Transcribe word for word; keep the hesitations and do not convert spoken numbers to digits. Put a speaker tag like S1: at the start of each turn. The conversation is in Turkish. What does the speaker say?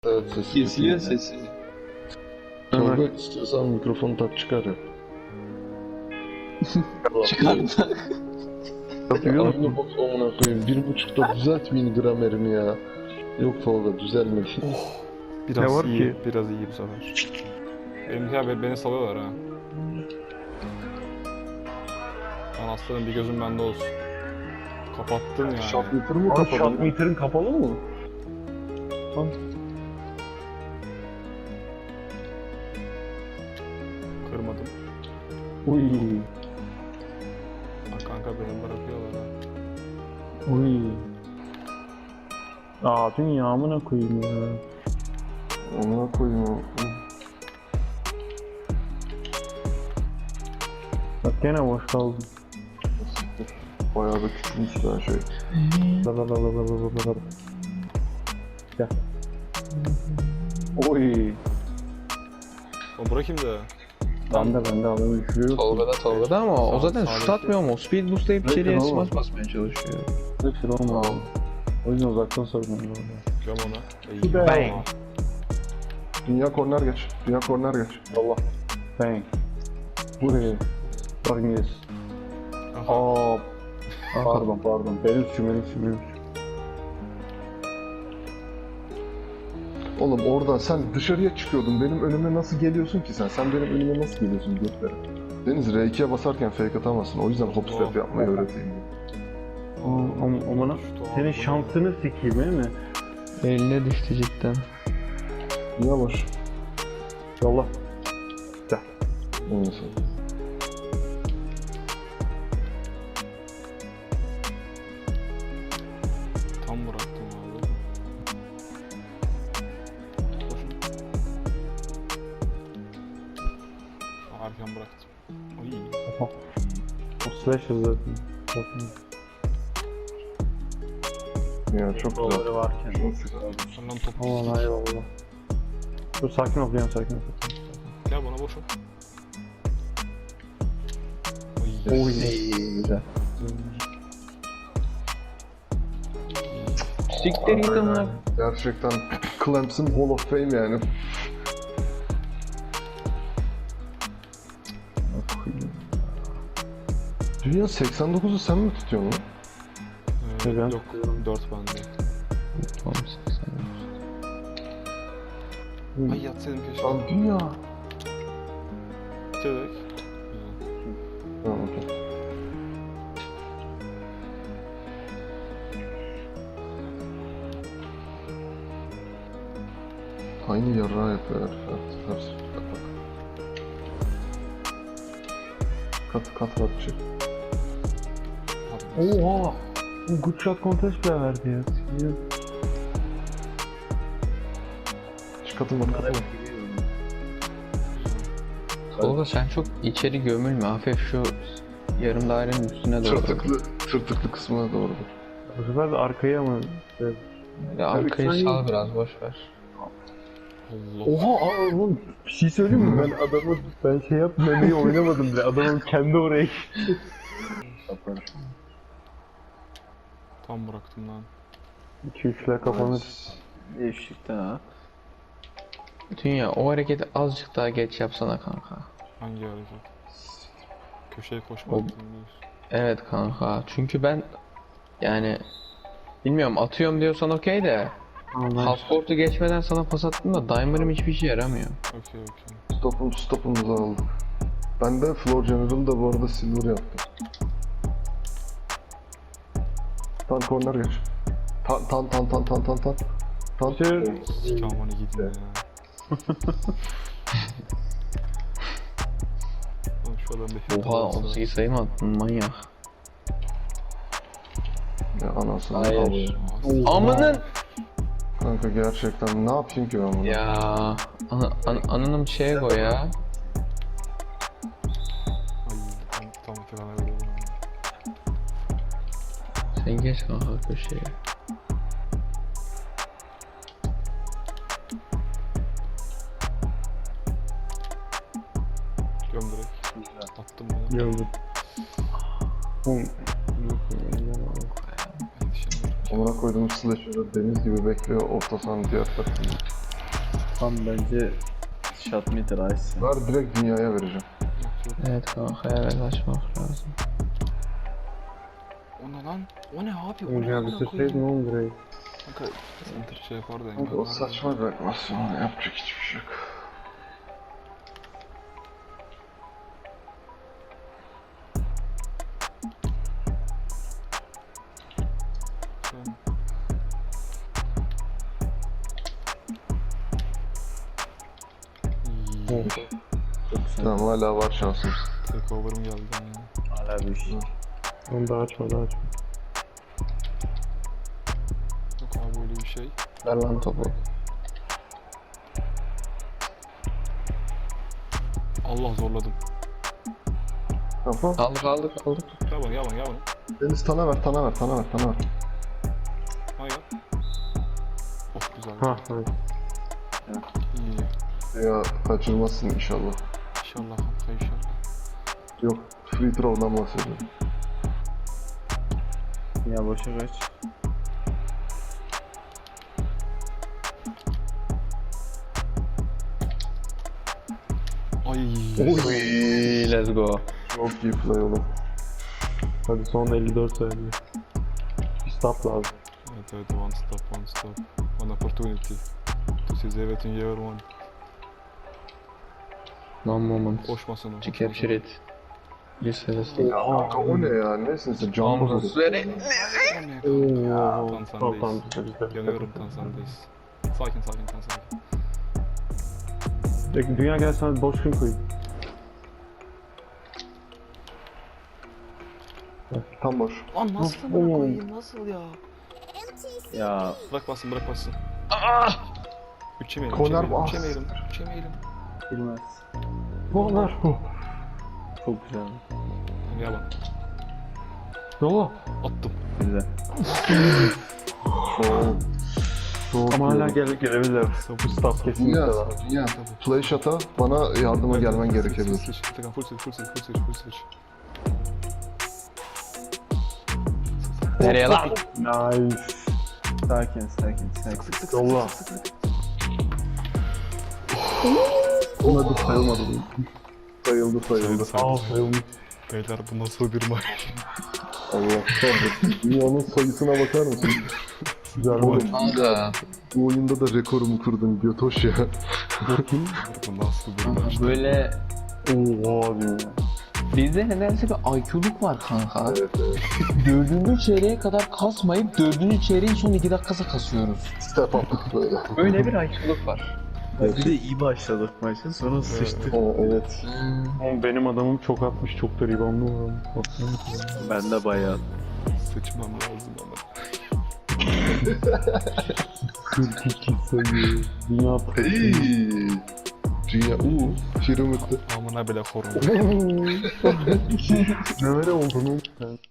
S1: Evet, sesi
S2: Kesiliyor sesi.
S1: Tolga istiyorsan mikrofonu tak çıkar ya.
S2: Çıkardı.
S1: Ya aynı bok amına koyayım. Bir buçukta düzeltmeyin gramerimi ya. Yok Tolga düzelmedi.
S3: Oh, biraz
S4: Ne var
S3: iyi,
S4: ki?
S3: biraz iyi bu sefer. Benimki abi beni salıyorlar ha. Lan aslanım bir gözüm bende olsun. Kapattın yani.
S1: Shot meter mı
S4: Abi
S1: kapalı?
S4: shot meter'ın kapalı mı?
S3: Kırmadım.
S4: Uy.
S3: Ha kanka beni bırakıyorlar ha.
S4: Uy. Aa dünya amına koyayım ya.
S1: Amına koyayım o.
S4: Bak gene boş kaldım.
S1: Bayağı da küçülmüş daha şey.
S4: La la la la la la la la. Gel. Oy.
S3: O bırakayım da.
S4: Ben de ben de adamı düşürüyor.
S2: Tolga'da Tolga'da ama o
S3: Sağ-
S2: zaten
S3: sağdaki-
S2: şut atmıyor mu? Speed boostlayıp
S1: Bırakın
S2: içeriye
S1: oğlum.
S2: smash basmaya çalışıyor.
S4: Hepsi de olmadı. O yüzden uzaktan sorumluyum orada.
S3: Göm ona. İyi.
S4: Bang.
S3: Tamam.
S1: Dünya korner geç. Dünya korner geç.
S4: Allah. Bang. Buraya. Bakın yes.
S3: Aha.
S4: Aa. Pardon pardon. Benim suçum benim suçum benim suçum.
S1: Oğlum orada sen dışarıya çıkıyordun. Benim önüme nasıl geliyorsun ki sen? Sen benim önüme nasıl geliyorsun götlere? Deniz R ikiye basarken fake atamazsın. O yüzden hop step
S3: Oh.
S1: yapmayı öğreteyim.
S4: Aa, ama amına. Senin şansını sikeyim değil mi?
S2: Eline düştü cidden.
S1: Dünya boş.
S4: Yolla.
S1: Neyse.
S3: Tam bıraktım abi. Koşun. Arkan bıraktım. Oy.
S4: O slash hızlı. Bakın.
S1: Ya çok güzel.
S4: Buraları varken.
S1: Çok güzel.
S3: Senden topu.
S4: Aman eyvallah. Dur sakin ol, diyorum sakin ol.
S3: Gel bana boş ol. Oy.
S4: Oy.
S2: İyi güzel. Siktir git amına.
S1: Gerçekten Clemson Hall of Fame yani. Dünya seksen dokuzu sen mi tutuyorsun lan?
S3: Ee,
S4: Neden?
S3: yok, dört bende.
S2: Tamam seksen.
S3: Ay yatsaydım keşke.
S1: Lan dünya.
S3: Bitirdik.
S1: Tamam okey. Aynı yarrağı yapıyor herif. Ters. Kat bak. Kat kat kat çık.
S4: Oha! Bu good shot contest bile verdi ya. Sikeyim.
S1: Çık katın bak katın bak.
S2: Tolga sen çok içeri gömülme. Hafif şu yarım dairenin üstüne doğru.
S1: Tırtıklı, tırtıklı kısmına doğru.
S4: Bu sefer de arkaya mı?
S2: Ya arkayı
S4: Evet,
S2: sal biraz boş ver.
S3: Allah.
S4: Oha aa, oğlum bir şey söyleyeyim mi? Ben adamı ben şey yap memeyi oynamadım bile. Adamın kendi oraya gitti.
S3: Tam bıraktım lan.
S4: iki üçler kapanır.
S2: Değişikten ha. Dünya o hareketi azıcık daha geç yapsana kanka.
S3: Hangi hareket? Köşeye koşmak
S2: O-
S3: değil.
S2: Evet kanka. Çünkü ben yani bilmiyorum atıyorum diyorsan okey de half court'u geçmeden sana pas attım da Dimer'ım hiçbir işe yaramıyor.
S3: Okey okey.
S1: Stopum, stopumuzu aldık. Ben de Floor General'da bu arada silver yaptım. Tan corner geç. Tan tan tan tan tan tan tan. Tan.
S4: Sür.
S3: Sikamanı gidin ya. Oğlum şu adam bir
S2: Oha on sekiz sayı mı attın manyak.
S1: Ya anasını
S2: Hayır.
S1: avradım.
S2: Amının
S1: Kanka gerçekten ne yapayım ki ben bunu?
S2: ya ana, an, ananım şeye koy ya.
S3: Ay tam tam falan öyle.
S2: Sen geç kanka köşeye.
S3: Göm direkt. Attım bunu.
S4: Gördüm. Oğlum.
S3: Yetişemiyorum.
S1: Amına koyduğum slasher'ı deniz gibi bekliyor orta sahanın diğer tarafında.
S5: Tam bence shot meter ice.
S1: Ver direkt dünyaya vereceğim.
S3: Yok yok.
S2: Evet kanka evet açmak lazım.
S3: O ne lan? O ne abi? O ne
S4: Önce
S3: amına
S4: bitirseydin
S3: koyayım?
S4: oğlum burayı.
S3: Kanka center şey yapardı
S1: Kanka
S3: engel.
S1: o saçma bir animasyon. Yapacak hiçbir şey yok.
S3: İyi.
S5: Çok güzel.
S1: Tamam hala var şansımız.
S3: Takeover'ım geldi ya.
S5: Hala bir şey.
S4: Onu da açma da açma.
S3: Yok abi böyle bir şey.
S2: Ver lan topu.
S3: Allah zorladım.
S1: Tamam.
S2: Aldık aldık aldık.
S3: Gel bana gel bana gel bana.
S1: Deniz tana ver, tana ver, tana ver, tana ver.
S3: Hayır. Of güzel.
S4: Ha evet.
S3: İyi.
S1: Ya kaçırmazsın inşallah.
S3: İnşallah kanka inşallah.
S1: Yok, free throw'dan bahsediyorum.
S5: Ya boşa kaç.
S3: Ay.
S2: Oy, let's go.
S1: Çok iyi play oğlum.
S4: Hadi son elli dört saniye. Bir stop lazım.
S3: Evet evet one stop one stop. One opportunity. To seize everything you ever want.
S2: One moment.
S3: Koşmasın o.
S2: To capture it. Yes, yes.
S1: Ya kanka o ne ya? Nesin sen? Can mı
S2: Almost ready.
S3: O ne kanka?
S4: Oo.
S3: Tan
S4: Tamam tamam
S3: sendeyiz.
S4: bizde bizde.
S3: Yanıyorum tan sendeyiz. Sakin sakin tan sakin.
S4: Peki, dünya gel sana boş gün koyayım.
S1: Tam boş.
S3: Lan nasıl amına koyayım nasıl ya?
S5: Ya
S3: Bırak bassın bırak bassın. Üçemeyelim
S1: Konar
S3: üçemeyelim
S1: ah.
S3: üçemeyelim üçemeyelim.
S5: bilmez.
S4: Onlar.
S5: Çok güzel.
S3: Gel bana.
S4: Yolla.
S3: Attım.
S5: Güzel.
S1: Çok. Çok
S4: Ama hala
S1: iyi.
S4: gel gelebilirler. Bu stop kesinlikle
S1: Dünya,
S4: var.
S1: dünya. Play shot'a bana yardıma gelmen gerekebilir.
S3: Switch, Atakan full switch, full switch, full switch, full switch.
S2: Nereye lan?
S4: Nice.
S5: Sakin sakin sakin.
S4: Yolla.
S1: Ona da sayılmadı. Sayıldı sayıldı.
S4: Aa sayılmış.
S3: Beyler bu nasıl bir maç?
S1: Allah kahretsin. Dünyanın sayısına bakar mısın?
S4: Güzel
S1: Oğlum
S4: oldu.
S2: Kanka.
S1: bu oyunda da rekorumu kırdın Götoş ya.
S3: Bu nasıl bir maç?
S2: Böyle
S4: Oo dünya.
S2: bizde nedense bir I Q'luk var kanka.
S1: Evet evet.
S2: Dördüncü çeyreğe kadar kasmayıp dördüncü çeyreğin son iki dakikası kasıyoruz.
S1: Step up böyle.
S2: Böyle bir I Q'luk var.
S5: Bir de iyi başladık maçı sonra sıçtık.
S1: Aa, evet.
S4: Oğlum benim adamım çok atmış, çok da reboundlu var. Baksana.
S5: Ben de bayağı.
S3: Seçmem lazım ama.
S4: kırk iki sayı. Dünya
S1: Hey. Dünya uuu. Şirin mutlu.
S3: Amına bile formu.
S4: ne öyle olduğunu.